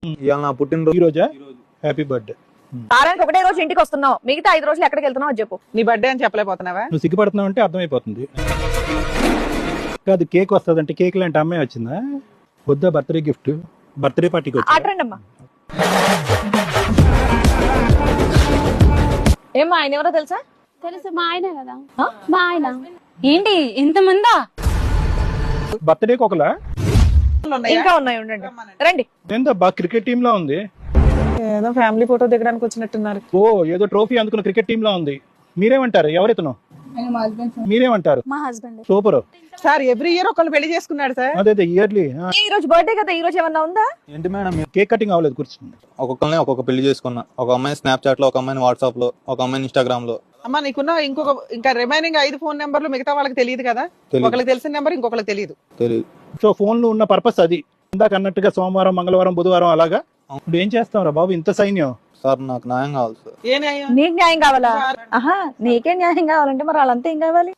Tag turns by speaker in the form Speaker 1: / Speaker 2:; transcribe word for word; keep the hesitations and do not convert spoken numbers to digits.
Speaker 1: ఇవాళ నా పుట్టినరోజు.
Speaker 2: ఈ రోజా? Happy birthday.
Speaker 3: వారానికి ఒకటే రోజు ఇంటికి వస్తున్నావు, మిగతా ఐదు రోజులు ఎక్కడికి వెళ్తున్నావు అది చెప్పు.
Speaker 4: నీ బర్త్డే అని చెప్పలేకపోతున్నావా?
Speaker 2: నువ్వు సిగ్గుపడుతున్నావు అంటే అర్థమైపోతుంది. కాదు, కేక్ వస్తుందంటే కేక్ లాంటి అమ్మాయి వచ్చిందా? వద్దా బర్త్డే గిఫ్ట్? బర్త్డే పార్టీకి వచ్చా?
Speaker 3: ఆటరండి అమ్మా. ఏమ్మా ఆయన ఎవరో తెలుసా?
Speaker 5: తెలుసు, మా ఆయన కదా.
Speaker 3: ఆ?
Speaker 5: మా ఆయన. ఏంటి ఇంతమందా?
Speaker 2: బర్త్డేకి ఒకలా?
Speaker 4: ఉన్నాయా?
Speaker 3: ఇంకా ఉన్నాయి, ఉండండి రండి.
Speaker 2: ఏందో బాగా క్రికెట్ టీమ్ లా ఉంది.
Speaker 4: ఏదో ఫ్యామిలీ ఫోటో దిగడానికి వచ్చినట్టున్నారు.
Speaker 2: ఓ ఏదో ట్రోఫీ అందుకున్న క్రికెట్ టీమ్ లా ఉంది. మీరేమంటారు? ఎవరైతును మీరేమంటారు?
Speaker 5: మా husband.
Speaker 2: Super.
Speaker 4: Sir every year ఒకళ్ళు పెళ్లి చేసుకున్నాడు సార్.
Speaker 2: అదే ఇయర్లీ.
Speaker 3: ఈ రోజు బర్త్డే కదా, ఈ రోజు ఏమన్నా ఉందా?
Speaker 1: ఏంటి మేడం మీరు
Speaker 2: కేక్ కటింగ్ అవ్వలేదు, కూర్చుంది.
Speaker 1: ఒక్కొక్కరిని ఒక్కొక్క పెళ్లి చేసుకున్నా. ఒక అమ్మాయి స్నాప్చాట్ లో, ఒక అమ్మాయిని వాట్సాప్ లో, ఒక అమ్మాయిని ఇన్స్టాగ్రామ్ లో.
Speaker 4: అమ్మా నీకున్న ఇంకొక ఇంకా రిమైనింగ్ ఐదు ఫోన్ నెంబర్లు మిగతా వాళ్ళకి తెలియదు కదా.
Speaker 1: తెలీదు.
Speaker 4: ఒకరికి తెలిసిన నెంబర్ ఇంకొకరికి తెలియదు.
Speaker 1: తెలియదు.
Speaker 2: సో ఫోన్ లో ఉన్న పర్పస్ అది. ఇందాక అన్నట్టుగా సోమవారం, మంగళవారం, బుధవారం అలాగా. ఇప్పుడు ఏం చేస్తాం రా బాబు, ఇంత సైన్యం?
Speaker 1: సార్ నాకు న్యాయం కావాలి సార్.
Speaker 4: ఏ న్యాయం?
Speaker 3: నీకు న్యాయం కావాలా? ఆహా, నీకే న్యాయం కావాలంటే మరి వాళ్ళంతా ఏం కావాలి?